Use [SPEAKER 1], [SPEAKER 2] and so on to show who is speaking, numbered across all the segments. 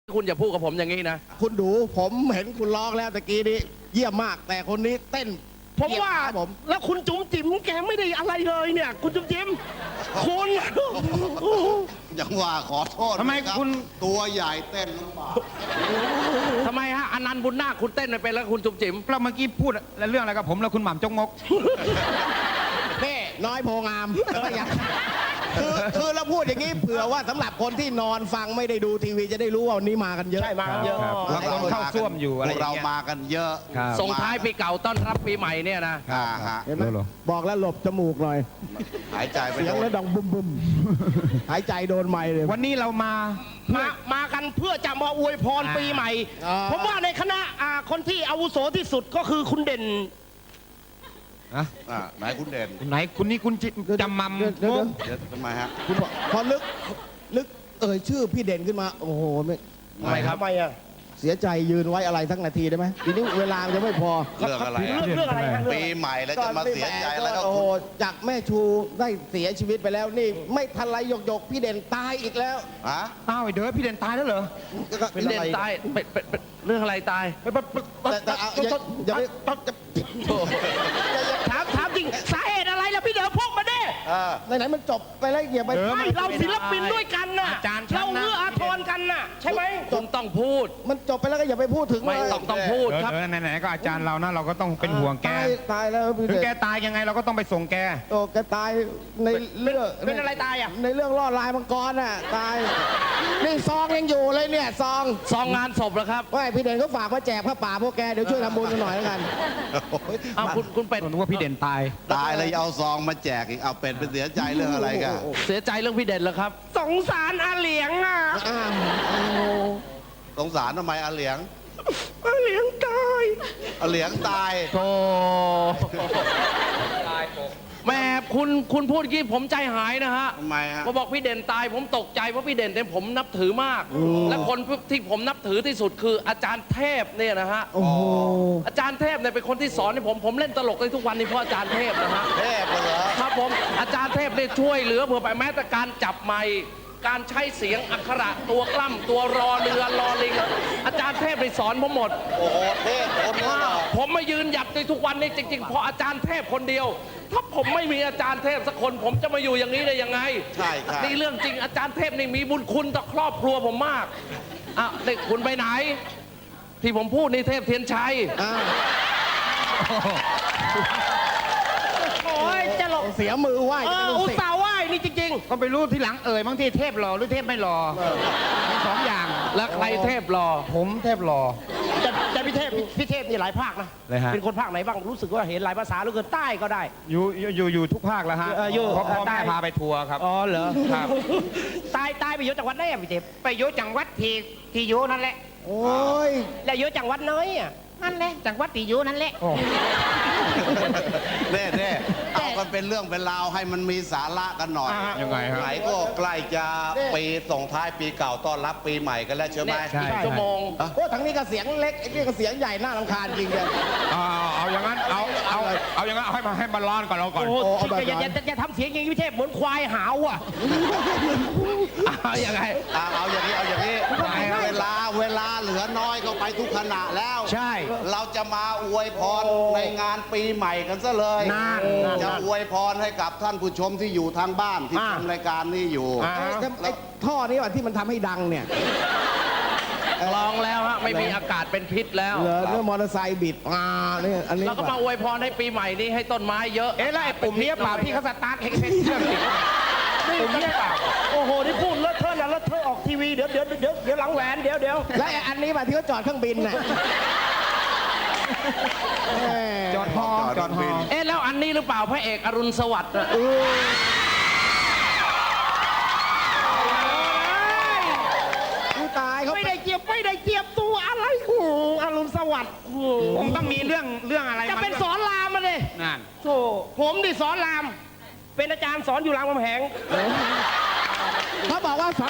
[SPEAKER 1] คุณอย่าพูดกับผมอย่างนี้นะ
[SPEAKER 2] คุณดูผมเห็นคุณร้องแล้วตะกี้นี้เยี่ยมมากแต่คนนี้เต้น
[SPEAKER 3] ผมว่าแล้วคุณจุ๋มจิ๋มแกไม่ได้อะไรเลยเนี่ยคุณจุ๋มจิ๋มคุณ
[SPEAKER 4] อย่างว่าขอโทษ
[SPEAKER 5] ทำไมคุณ
[SPEAKER 4] ตัวใหญ่เต้นลำบาก
[SPEAKER 1] ทำไมฮะอนันต์บุญนาคคุณเต้นไม่เป็นแล้วคุณจุ๋มจิ๋ม
[SPEAKER 5] เราเมื่อกี้พูดเรื่องอะไรกับผมแล้วคุณหม่ำจงมก
[SPEAKER 2] เพ่น้อยโพงามคือเราพูดอย่างนี้เผื่อว่าสำหรับคนที่นอนฟังไม่ได้ดูทีวีจะได้รู้ว่าวันนี้มากันเยอะ
[SPEAKER 3] ใช่มากันเยอะ
[SPEAKER 5] เราเข้าซ่วมอยู่อะไร
[SPEAKER 4] เรามากันเยอะ
[SPEAKER 1] ส่งท้ายปีเก่าต้อนรับปีใหม่เนี่ยนะ
[SPEAKER 2] เห็นไหมบอกแล้วหลบจมูกหน่อย
[SPEAKER 4] หายใจไป
[SPEAKER 2] เสียงแล้วดังบุ้มบุ้มหายใจโดนไม้เลย
[SPEAKER 5] วันนี้เรา
[SPEAKER 3] มากันเพื่อจะมาอวยพรปีใหม่ผมว่าในคณะคนที่อาวุโสที่สุดก็คือคุณเด่น
[SPEAKER 4] ไหนคุณเด่น
[SPEAKER 5] ไหนคุณนี่คุณจำมัม
[SPEAKER 4] ทำไมฮะ
[SPEAKER 2] คุณพอลึกชื่อพี่เด่นขึ้นมาโอ้โห
[SPEAKER 3] ไม่ครับไม่อะ
[SPEAKER 2] เสียใจยืนไว้อะไรสักนาทีได้ไหมทีนี้เวลาจะไม่พอ
[SPEAKER 4] เรื่องอะไรปีใหม่แล้วจะมาเสียใจแล้วก็
[SPEAKER 2] โอ้โหจากแม่ชูได้เสียชีวิตไปแล้วนี่ไม่ทันไรหยกพี่เด่นตายอีกแล้ว
[SPEAKER 5] อ้าวเดี๋ยวพี่เด่นตายแล้วเหรอ
[SPEAKER 1] พี่เด่นตายเรื่องอะไรตาย
[SPEAKER 3] ถามจริงสาเหตุอะไรล่ะพี่เด๋อพวกมาดิ
[SPEAKER 2] ไหนมันจบไปแล้วอย่าไป
[SPEAKER 3] ไม่เราศิลปินด้วยกันน่ะเราเอื้ออาทรกันน่ะใช่ไหม
[SPEAKER 1] คุณต้องพูด
[SPEAKER 2] มันจบไปแล้วก็อย่าไปพูดถึง
[SPEAKER 1] ไม่ต้องพูดครับ
[SPEAKER 5] ไหนๆก็อาจารย์เรานะเราก็ต้องเป็นห่วงแก
[SPEAKER 2] ตายแล้ว
[SPEAKER 5] ถึงแกตายยังไงเราก็ต้องไปส่งแก
[SPEAKER 2] โอ้แกตายในเรื่อง
[SPEAKER 3] เป็นอะไรตายอ่ะ
[SPEAKER 2] ในเรื่องล่อลายมังกรน่ะตายนี่ซองยังอยู่เลยเนี่ยซอง
[SPEAKER 1] งานศพเหรอครับ
[SPEAKER 2] ว่าพี่เด่นเขาฝากมาแจกผ้าป่าพวกแกเดี๋ยวช่วยทำบุญกันหน่อยแล้วกัน
[SPEAKER 1] เอาคุณเป็ด
[SPEAKER 5] นึกว่าพี่เด่นตาย
[SPEAKER 4] เลยเอาซองมาแจกอีกเอาเป็ดเป็นเสียใจเรื่องอะไรกัน
[SPEAKER 1] เสียใจเรื่องพี่เด่นเหรอครับ
[SPEAKER 3] สงสารอาเหลียงอ่ะ
[SPEAKER 4] สงสารทำไมอาเหลียง
[SPEAKER 3] อาเหลียงตาย
[SPEAKER 4] อาเหลียงตาย
[SPEAKER 1] โธ่แม่คุณพูดกี้ผมใจหายนะฮะ
[SPEAKER 4] ทำไมฮะ
[SPEAKER 1] พอบอกพี่เด่นตายผมตกใจเพราะพี่เด่นเนี่ยผมนับถือมากและคนที่ผมนับถือที่สุดคืออาจารย์เทพเนี่ยนะฮะอาจารย์เทพเนี่ยเป็นคนที่สอนให้ผมเล่นตลกได้ทุกวันนี้เพราะอาจารย์เทพนะฮะ
[SPEAKER 4] เทพเหรอ
[SPEAKER 1] ครับผมอาจารย์เทพเนี่ยช่วยเหลือเผื่อไปแม้แต่การจับไมค์การใช้เสียงอักขระตัวกล้ำตัวรอเรือรอลิงอาจารย์เทพไปสอนผมหมด
[SPEAKER 4] โอ้โหเทพคนว่า
[SPEAKER 1] ผมมายืนหยัดในทุกวันนี้จริงๆเพราะอาจารย์เทพคนเดียวถ้าผมไม่มีอาจารย์เทพสักคนผมจะมาอยู่อย่างนี้ได้ยังไง
[SPEAKER 4] ใช่ครับ
[SPEAKER 1] นี่เรื่องจริงอาจารย์เทพนี่มีบุญคุณต่อครอบครัวผมมากเด็กคุณไปไหนที่ผมพูดนี่เทพเทียนชัย
[SPEAKER 3] โอ้ยจะหลบ
[SPEAKER 2] เสียมือไหว
[SPEAKER 3] อุตส่าห์ไหวนี่จริง
[SPEAKER 5] ๆก็ไปรู้ทีหลังบางทีเทพหล่อหรือเทพไม่หล่อมีสองอย่าง
[SPEAKER 1] แล้วใครเทพหล่อ
[SPEAKER 5] ผมเทพหล่อ
[SPEAKER 3] แต่พี่เทพนี่หลายภาคนะเป็นคนภาคไหนบ้างรู้สึกว่าเห็นหลายภาษาหรือเกินใต้ก็ได้
[SPEAKER 5] อยู่ทุกภาคแล้วฮะพ่อแม่พาไปทัวร์ครับ
[SPEAKER 3] อ๋อเหรอ
[SPEAKER 5] ครับ
[SPEAKER 3] ใต้ไปอยู่จังหวัดไหนอ่ะพี่เทพ
[SPEAKER 5] ไปอยู่จังหวัดที่อยู่นั่นแหละ
[SPEAKER 2] โอ้ย
[SPEAKER 3] แล้วอยู่จังหวัดน้อยอ่ะ
[SPEAKER 5] นั่นแหละจังหวัดที่อยู่นั่นแหละ
[SPEAKER 4] เน่เอากันเป็นเรื่องเป็นราวให้มันมีสาระกันหน่อย
[SPEAKER 5] ยังไงครับ
[SPEAKER 4] ไหนก็ใกล้จะปีส่งท้ายปีเก่าต้อนรับปีใหม่กันแล้วใช่ไหม
[SPEAKER 1] อีกชั่วโมง
[SPEAKER 2] โอ้ทั้งนี้ก็เสียงเล็กไอ้นี่ก็เสียงใหญ่น่ารำคาญจริงเลย
[SPEAKER 5] เอาอย่างนั้นเอาอย่างนั้นให้มันร้อนก่อนเราก่อน
[SPEAKER 3] อย่าทำเสียงอย่างนี้พี่เทพเหมือนควายหาวอ่ะ
[SPEAKER 1] ยังไง
[SPEAKER 4] เอาอย่างนี้เวลาเหลือน้อยก็ไปทุกขณะแล้ว
[SPEAKER 5] ใช่
[SPEAKER 4] เราจะมาอวยพรในงานปีใหม่กันซะเลยจะอวยพรให้กับท่านผู้ชมที่อยู่ทางบ้านที่ชมรายการนี้อยู่
[SPEAKER 2] แล้วท่อนี้ว่าที่มันทำให้ดังเนี่ย
[SPEAKER 1] ลองแล้วฮะไม่มีอากาศเป็นพิษแล้ว
[SPEAKER 2] เหรอเรื่องมอเตอร์ไซค์บิดนี่อันนี้
[SPEAKER 1] เราก็มาอวยพรให้ปีใหม่นี้ให้ต้นไม้เยอะ
[SPEAKER 5] แล้วไอ้ปุ่มนี้เปล่าที่เขาสตาร์ทให้เป็นเครื่องติด
[SPEAKER 3] ปุ่มนี้เปล่าโอ้โหนี่พูดเลอะเทอะนะเลอะเทอะออกทีวีเดี๋ยวหลังแหวนเดี๋ยว
[SPEAKER 2] แล้วอันนี้แบบที่เขาจอดเครื่องบินน่ะ
[SPEAKER 5] จอดฮอ
[SPEAKER 1] แล้วอันนี้หรือเปล่าพระเอกอรุณสวัสดิ์
[SPEAKER 2] ตายเขา
[SPEAKER 3] ไม่ได้เจียบตัวอะไรอรุณสวัสดิ์
[SPEAKER 5] ผมต้องมีเรื่องอะไร
[SPEAKER 3] จะเป็นสอนรามมาเลย
[SPEAKER 5] นั่น
[SPEAKER 3] โธ่ผมดิสอนรามเป็นอาจารย์สอนอยู่รามคำแหง
[SPEAKER 2] เขาบอกว่า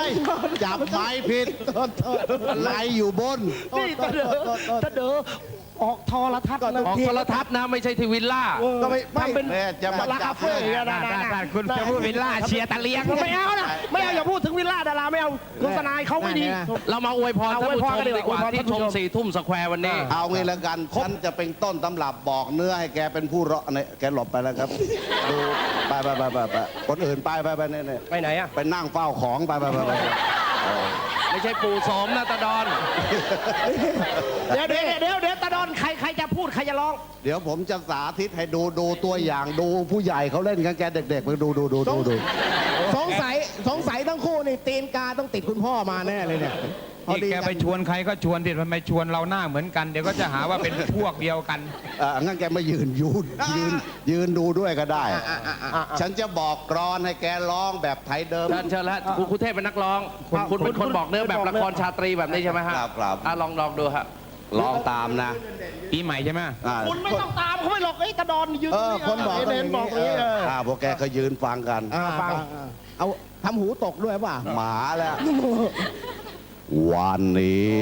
[SPEAKER 4] จับไม้ผิดอะไรอยู่บน
[SPEAKER 3] นี่ตะเด๋อออกโทรทัศน์นะ
[SPEAKER 1] ออกโทรทัศน์นะไม่ใช่ที่วิลล่า
[SPEAKER 2] ก็ไม่
[SPEAKER 3] ทำเป็น
[SPEAKER 4] แม่จะมา
[SPEAKER 3] ดารา
[SPEAKER 4] จั
[SPEAKER 3] คา
[SPEAKER 4] บ
[SPEAKER 3] เฟ่นะ
[SPEAKER 5] คุณจะพูดวิลล่าเชียร์ตะเลียง
[SPEAKER 3] ไม่เอานะไม่เอาอย่าพูดถึงวิลล่าดาราไม่เอาโฆษณาเขาไม่ดี
[SPEAKER 1] เรามาอวยพรท่านผู้ชม
[SPEAKER 3] อวยพรกันดี
[SPEAKER 1] ดี
[SPEAKER 3] ก
[SPEAKER 1] ก
[SPEAKER 3] ว่า
[SPEAKER 1] ว่าที่ชม 4 ทุ่มสแควร์วันนี้
[SPEAKER 4] เอางี้แล้วกันฉันจะเป็นต้นตำรับบอกเนื้อให้แกเป็นผู้ร้องเนี่ยแกหลบไปแล้วครับ ดูไปคนอื่นไปเนี่ย
[SPEAKER 3] ไปไหนอ่ะ
[SPEAKER 4] ไปนั่งเฝ้าของไป
[SPEAKER 1] ไม่ใช่ปู่โสมนะตาดอน
[SPEAKER 3] เดี๋ยวตาดอนใครจะพูดใครจะร้อง
[SPEAKER 4] เดี๋ยวผมจะสาธิตให้ดูตัวอย่างดูผู้ใหญ่เขาเล่นกันแกเด็กๆไปดู
[SPEAKER 2] สงสัยทั้งคู่นี่ตีนกาต้องติดคุณพ่อมาแน่เลยเนี่ยพอ
[SPEAKER 5] นี่
[SPEAKER 2] ดี
[SPEAKER 5] แกไปชวนใครก็ชวนดิทำไมชวนเราหน้าเหมือนกัน เดี๋ยวก็จะหาว่าเป็นพวกเดียวกัน
[SPEAKER 4] งั้นแกมายืนดูด้วยก็ได้ ฉันจะบอกกรอนให้แกร้องแบบไทยเดิม
[SPEAKER 1] เชิญแล้วคุณเทพเป็นนักร้อง คุณเป็นคนบอกเนื้อแบบละครชาตรีแบบนี้ใช่ไหมฮะ
[SPEAKER 4] ครับ
[SPEAKER 1] ลองดูฮะ
[SPEAKER 4] ลองตามนะ
[SPEAKER 5] ปีใหม่ใช่ไหม
[SPEAKER 3] คุณไม่ต้องตามเขาไม่หรอกไอ้ตาดอนยืน
[SPEAKER 2] คนบอก
[SPEAKER 3] เด่นบอกนี้
[SPEAKER 4] พวกแกก็ยืนฟังกัน
[SPEAKER 2] ฟังเอาทำหูตกด้วยป่ะ
[SPEAKER 4] หมาแล้ว วันนี้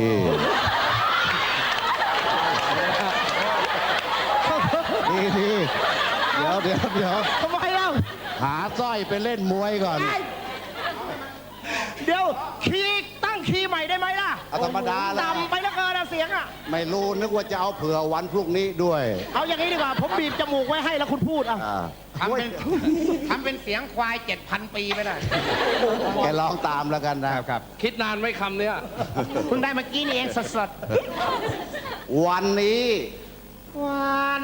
[SPEAKER 4] นี่เดี๋ยว
[SPEAKER 3] ทำไมเล่า
[SPEAKER 4] หาสร้อยไปเล่นมวยก่อน
[SPEAKER 3] เดี๋ยวตั้งคีย์ใหม่ได้ไหมล่ะ
[SPEAKER 4] เอาธรรมดาแล้ว
[SPEAKER 3] ต่ำไปแล้วเกินเสียงอ่ะ
[SPEAKER 4] ไม่รู้นึกว่าจะเอาเผื่อวันพรุ่งนี้ด้วย
[SPEAKER 3] เอาอย่างนี้ดีกว่า ผมบีบจมูกไว้ให้แล้วคุณพูดอ่ะ
[SPEAKER 5] ทำเป็นเสียงควาย 7,000 ปีไปเลย
[SPEAKER 4] แกลองตามแล้วกันนะ
[SPEAKER 5] ครับ
[SPEAKER 1] คิดนานไหมคำเนี้ย
[SPEAKER 5] เพิ่งได้เมื่อกี้นี่เองสด
[SPEAKER 4] วันนี้
[SPEAKER 5] ๆวัน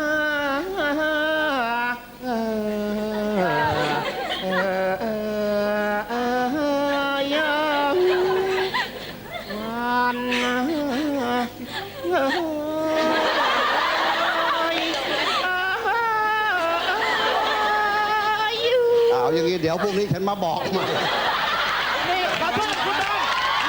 [SPEAKER 4] เอาอย่างนี้เดี๋ยวพรุ่งนี้ฉันมาบอกใหม่
[SPEAKER 3] นี่ขอโทษคุณดอน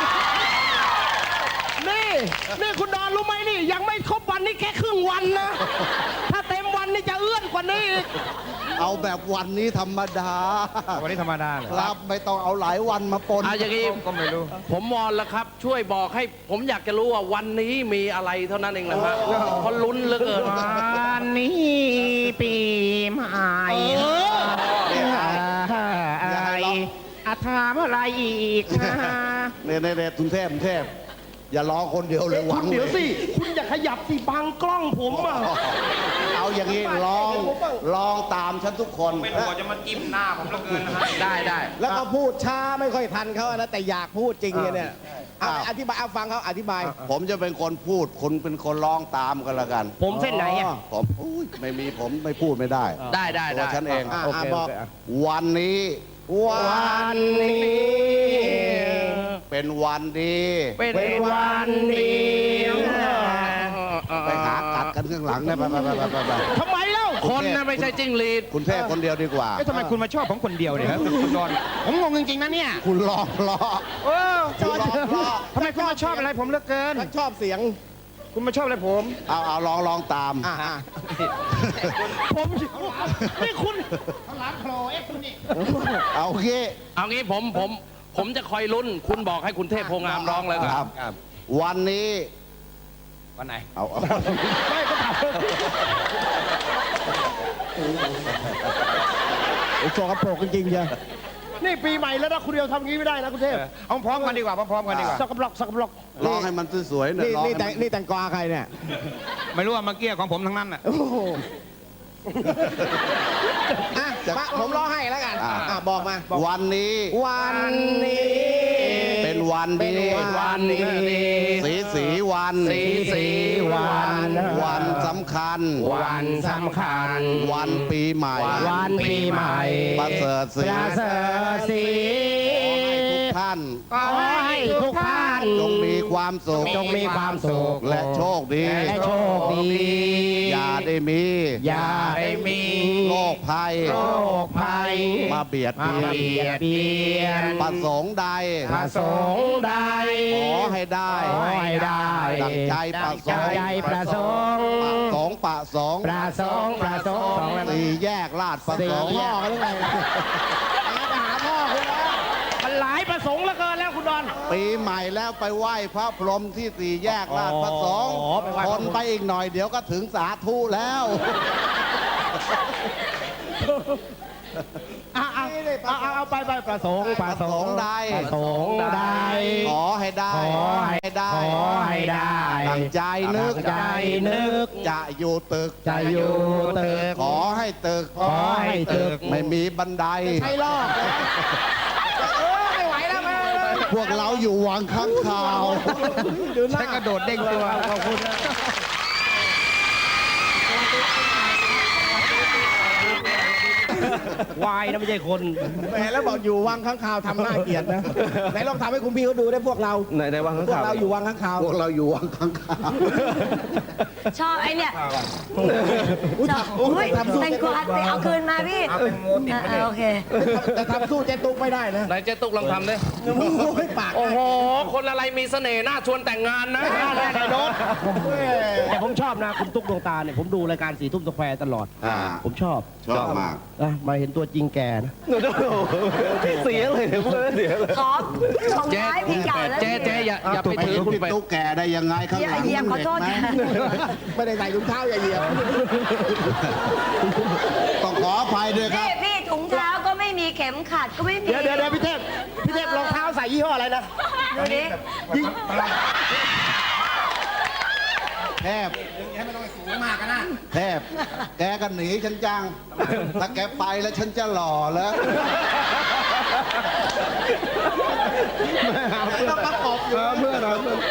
[SPEAKER 3] นี่คุณดอนรู้ไหมนี่ ยังไม่ครบวันนี่แค่ครึ่งวันนะ ถ้าเต็มวันนี่จะเอื้อนกว่านี้อีก
[SPEAKER 4] เอาแบบวันนี้ธรรมดา
[SPEAKER 5] วันนี้ธรรมดาเลย
[SPEAKER 4] ครับไม่ต้องเอาหลายวันมาปน
[SPEAKER 1] อย่างนี้
[SPEAKER 5] ก็ไม่รู้
[SPEAKER 1] ผมวอนแล้วครับ ช่วยบอกให้ผมอยากจะรู้ว่าวันนี้มีอะไรเท่านั้นเองนะฮะเพราะลุ้นเหลือเกิน
[SPEAKER 5] วันนี้ปีใหม่ถามอะไรอีกนะ
[SPEAKER 4] เนี่ยทุนเทพอย่าร้องคนเดียวเลยหวัง
[SPEAKER 3] เดี๋ยวสิ คุณอย่าขยับสิบังกล้องผมอ่ะ
[SPEAKER 4] เอาอย่างนี้ลองตามฉันทุกคน
[SPEAKER 5] ไม่พอจะมาจิ้มหน้าผมแล้วเกินนะฮะ
[SPEAKER 1] ได้
[SPEAKER 2] แล้วก็พูดช้าไม่ค่อยทันเขานะแต่อยากพูดจริงเนี่ยอธิบายเอาฟังเขาอธิบาย
[SPEAKER 4] ผมจะเป็นคนพูดคุณเป็นคนร้องตามกันละกัน
[SPEAKER 3] ผมเส้นไหนอ่ะ
[SPEAKER 4] ผมไม่มีผมไม่พูดไม่ได้
[SPEAKER 1] ได้
[SPEAKER 4] ตัวฉันเอง
[SPEAKER 2] บอก
[SPEAKER 4] วันนี้
[SPEAKER 2] วันนี้
[SPEAKER 4] เป็นวันดี
[SPEAKER 1] เป็นวันดี
[SPEAKER 4] ไปหากัดกันข้างหลังนะไป
[SPEAKER 3] ทำไมเล่า
[SPEAKER 1] คนนะไม่ใช่จิ้งหรีด
[SPEAKER 4] คุณเทพคนเดียวดีกว่า
[SPEAKER 5] เอ๊ะทำไมคุณมาชอบผมคนเดียวเนี่ยครับคุณดอน ผมงงจริงๆนะเนี่ย
[SPEAKER 4] คุณลองล้อ
[SPEAKER 5] เออ
[SPEAKER 4] คุณลองล้อ
[SPEAKER 5] ทำไมคุณมาชอบอะไรผมเหลือเกิน
[SPEAKER 2] ชอบเสียง
[SPEAKER 5] คุณมาชอบอะไรผม
[SPEAKER 4] เอาลองตาม
[SPEAKER 3] ผมนี่คุณ
[SPEAKER 4] เอาโอเค
[SPEAKER 1] เอางี้ผมจะคอยลุ้น คุณบอกให้คุณเทพโพงามร้องเลย
[SPEAKER 4] ค
[SPEAKER 1] ค
[SPEAKER 4] รั
[SPEAKER 1] รับ
[SPEAKER 4] บ วันนี้
[SPEAKER 5] วันไหน
[SPEAKER 4] เอา
[SPEAKER 3] ไม่ก็ถาม
[SPEAKER 2] โชว์กระโปรงจริงๆจ้ะ
[SPEAKER 3] นี่ปีใหม่แล้วนะคุณเดียวทำงี้ไม่ได้นะคุณเทพ
[SPEAKER 5] เอาพร้อมกันดีกว่าพร้อมกันดีกว่า
[SPEAKER 3] สักกระบล็อก
[SPEAKER 4] ร้องให้มันสวยๆหน่อย
[SPEAKER 2] นี่
[SPEAKER 4] ร้อง
[SPEAKER 2] นี่
[SPEAKER 4] ให้
[SPEAKER 2] แต่
[SPEAKER 4] มัน
[SPEAKER 2] นี่แต่งกวาใครเนี่ย
[SPEAKER 5] ไม่รู้ว่าเมื่อกี้ของผมทั้งนั้นน่ะ
[SPEAKER 2] โอ้โหผมร้องให้แล้วกันบอกมา
[SPEAKER 4] วันนี้
[SPEAKER 2] วันนี้
[SPEAKER 4] เป็นวันดี
[SPEAKER 1] วันดี
[SPEAKER 4] สีวัน
[SPEAKER 1] สีวัน
[SPEAKER 4] วันสำคัญ
[SPEAKER 1] วันสำคัญ
[SPEAKER 4] วันปีใหม่
[SPEAKER 1] วันปีใหม่
[SPEAKER 4] ประเสริฐสี
[SPEAKER 1] ประเสริฐศรี
[SPEAKER 4] ขอให้ทุกท่าน
[SPEAKER 1] ขอให้ทุกท่าน
[SPEAKER 4] จงมีความสุข
[SPEAKER 1] จงมีความสุข
[SPEAKER 4] และโชคดี
[SPEAKER 1] และโชคดี
[SPEAKER 4] อย่าได้มี
[SPEAKER 1] อย่าได้มี
[SPEAKER 4] โรคภัย
[SPEAKER 1] โรคภัย
[SPEAKER 4] มาเบียด
[SPEAKER 1] มา
[SPEAKER 4] เบียน
[SPEAKER 1] เบียดเบียน
[SPEAKER 4] ประสงค์ใด
[SPEAKER 1] ประสงค์ใด
[SPEAKER 4] ขอให้ได้
[SPEAKER 1] ขอให้ได้
[SPEAKER 4] ดังใจประสงค์
[SPEAKER 1] ใจประสงค์
[SPEAKER 4] ประสงค์
[SPEAKER 1] ประสงค์ประสงค์
[SPEAKER 4] สี่แยกลาดประสงค์
[SPEAKER 2] พ่อกันหรือไงหาพ่อคุณนะ
[SPEAKER 3] มันหลายประสงค์เหลือเกินแล้วคุณดอน
[SPEAKER 2] เอ
[SPEAKER 4] ปีใหม่แล้วไปไหว้พระพรหมที่สี่แยกราชประสงค์
[SPEAKER 3] อ๋อไปไหว้
[SPEAKER 4] ค
[SPEAKER 3] พระ
[SPEAKER 4] น
[SPEAKER 3] พรหม
[SPEAKER 4] ไปอีกหน่อยเดี๋ยวก็ถึงสาธุแล้ว
[SPEAKER 3] เอาไปประสงค์
[SPEAKER 4] ประสงค์ใด
[SPEAKER 3] ประสงค์ใด
[SPEAKER 4] ขอให้ได้
[SPEAKER 3] ขอให้ได้ ขอให้ได้
[SPEAKER 4] ตั้งใจนึก
[SPEAKER 3] ตั้งใจนึก
[SPEAKER 4] จะอยู่ตึก
[SPEAKER 3] จะอยู่ตึก
[SPEAKER 4] ขอให้ตึก
[SPEAKER 3] ขอให้ตึก
[SPEAKER 4] ไม่มีบันได
[SPEAKER 3] ใช่ลอกไม่ไหวแล้วมา
[SPEAKER 4] พวกเราอยู่วังข้างคาว
[SPEAKER 5] ใช้กระโดดเด้งตัว
[SPEAKER 3] ขอบคุณนะวายนะไม่ใช่คน
[SPEAKER 2] แหมแล้วบอกอยู่วังข้างคาวทำหน้าเกลียดนะ ไหนลองทำให้คุณพี่เขาดูได้พวกเรา
[SPEAKER 6] ในวังข้าง
[SPEAKER 2] พวก
[SPEAKER 6] คาว
[SPEAKER 2] เราอยู่วังข้างคาว
[SPEAKER 4] พวกเราอยู่วังข้างคาว
[SPEAKER 7] ชอบไอ้เนี่ย
[SPEAKER 2] อุ๊ย
[SPEAKER 7] ชอบ
[SPEAKER 2] อุ๊ย
[SPEAKER 7] อุ๊ย
[SPEAKER 2] ทำสู้
[SPEAKER 7] แตงกวาไปเอาคืนมาพี่
[SPEAKER 5] เอาแตงโมติดไปเลย
[SPEAKER 7] โอเค
[SPEAKER 2] แต่ทำสู้เจ๊ตุ๊กไม่ได้นะ
[SPEAKER 1] ไหนเจ๊ตุ๊กลองทำดิ
[SPEAKER 2] โอ้ยปาก
[SPEAKER 1] โอ้โห คนอะไรมีเสน่ห์น่าชวนแต่งงานนะ
[SPEAKER 3] ได้โดนแต่ผมชอบนะ คุณตุ๊กดวงตาเนี่ย ผมดูรายการสีทุ่มสแควร์ตลอด ผมชอบ
[SPEAKER 4] ชอบมาก
[SPEAKER 3] นะมาเห็นตัวจริงแกนะ
[SPEAKER 6] เสียเลยเพื่อนเสียเลย
[SPEAKER 7] ขอของท้ายพี่เก่าแล้ว
[SPEAKER 1] เจ๊อย่าไป
[SPEAKER 4] ไป
[SPEAKER 1] ถือ
[SPEAKER 4] ถึง
[SPEAKER 1] คุณ
[SPEAKER 4] พี่
[SPEAKER 1] ไป
[SPEAKER 4] ตุ๊กแกได้ยังไงข้างหลัง
[SPEAKER 7] เหยียบขอโทษ
[SPEAKER 4] เห็นไหม
[SPEAKER 2] ไม่ได้ใส่ถุงเท้าอย่าเหยียบ
[SPEAKER 4] ต้องขออภัยด้วยครับ
[SPEAKER 7] พี่ถุงเท้าก็ไม่มีเข็มขัดก็ไม่มี
[SPEAKER 3] เดี๋ยวพี่เทพรองเท้าใส่ยี่ห้ออะไรนะ
[SPEAKER 7] ดูดิ
[SPEAKER 4] แทบแทบแกก็หนีฉันจัง ถ้าแกไปแล้วฉันจะหล่อแล้ว
[SPEAKER 2] ต้องประกอบอยู่
[SPEAKER 6] เพื่อนเรา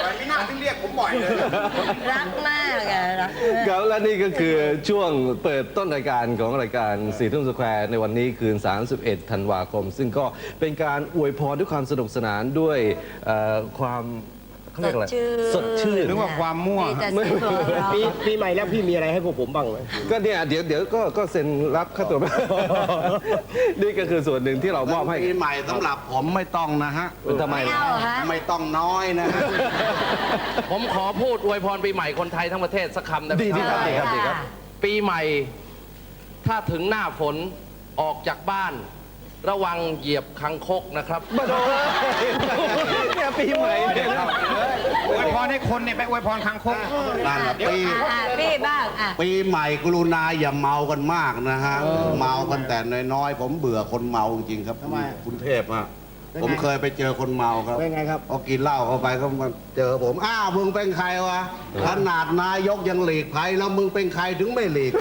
[SPEAKER 7] รักมากอะรักมาก
[SPEAKER 6] ครับและนี่ก็คือช่วงเปิดต้นรายการของรายการสี่ทุ่มสแควร์ในวันนี้คืน 31 ธันวาคม ซึ่งก็เป็นการอวยพรด้วยความสนุกสนานด้วยความเขาเรียกอะไรสดชื่น
[SPEAKER 5] หรือว่าความมั่ว
[SPEAKER 7] มีแต่เสียงหัวเราะ
[SPEAKER 3] ปีใหม่แล้วพี่มีอะไรให้พวกผมบ้างไหม
[SPEAKER 6] ก็เนี่ยเดี๋ยวก็เซ็นรับค่าตัว นี่ก็คือส่วนหนึ่งที่เรามอบให้
[SPEAKER 4] ปีใหม่สำหรับผมไม่ต้องนะฮะ
[SPEAKER 6] เป็นทำไม
[SPEAKER 7] ไม่เอาเหรอฮะ
[SPEAKER 4] ไม่ต้องน้อยนะฮะ
[SPEAKER 1] ผมขอพูดอวยพรปีใหม่คนไทยทั้งประเทศสักคำได้ไหม
[SPEAKER 6] ดีที่
[SPEAKER 1] ครับ
[SPEAKER 6] ดีครับดีครับ
[SPEAKER 1] ปีใหม่ ถ้าถึงหน้าฝนออกจากบ้าน ระวังเหยียบคังคกนะครับ
[SPEAKER 6] มาโดนเนี่ยปีใหม่เนี่ย
[SPEAKER 5] อวยพรให้คนเนี่ยไปอวยพรคางคก
[SPEAKER 4] นั่นแหละปี
[SPEAKER 7] พี่บ้างอ่ะ
[SPEAKER 4] ปีใหม่กรุณาอย่าเมากันมากนะฮะ เมากันแต่น้อยๆ ผมเบื่อคนเมาจริงๆครับคุณเทพฮะผมเคยไปเจอคนเมาครับ
[SPEAKER 2] เป็นไงครับ
[SPEAKER 4] พอกินเหล้าเข้าไปเขามาเจอผมอ้าวมึงเป็นใครวะขนาดนายกยังหลีกภัยแล้วมึงเป็นใครถึงไม่หลีก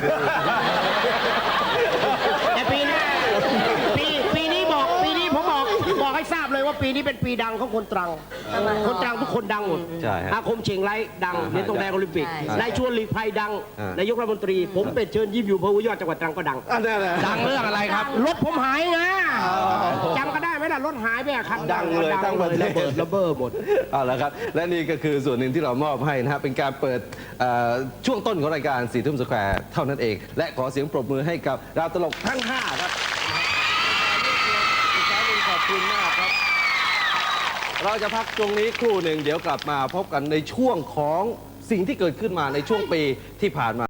[SPEAKER 3] แต่ปีนี้ปีนี้ผมบอกให้ทราบเลยว่าปีนี้เป็นปีดังของคนตรัง คนตรังทุกคนดังหมด
[SPEAKER 6] ใช่ฮะ
[SPEAKER 3] อาคมเชียงไร้ดังเหรียญทองแดงโอลิมปิก
[SPEAKER 7] ใช่
[SPEAKER 3] นายชวนหลีกภัยดัง
[SPEAKER 6] อ่าน
[SPEAKER 3] นายกรัฐมนตรี ผมเป็นเชิญยิ้มอยู่อำเภอห้วยยอดจังหวัดตรังก็ดัง
[SPEAKER 1] ดังเรื่องอะไรครับ
[SPEAKER 3] รถผมหายนะจำก็ได้ไหมล่ะรถหายไปอะคัน
[SPEAKER 6] ดังเลยทั้งประเทศ
[SPEAKER 3] ระเบิดหมด
[SPEAKER 6] เอาละครับ และนี่ก็คือส่วนหนึ่งที่เรามอบให้นะฮะเป็นการเปิดช่วงต้นของรายการสี่ทุ่มสแควร์เท่านั้นเอง และขอเสียงปรบมือให้กับดาวตลกทั้ง 5 ครับขอบคุณมากครับ เราจะพักตรงนี้ครู่หนึ่งเดี๋ยวกลับมาพบกันในช่วงของสิ่งที่เกิดขึ้นมาในช่วงปีที่ผ่านมา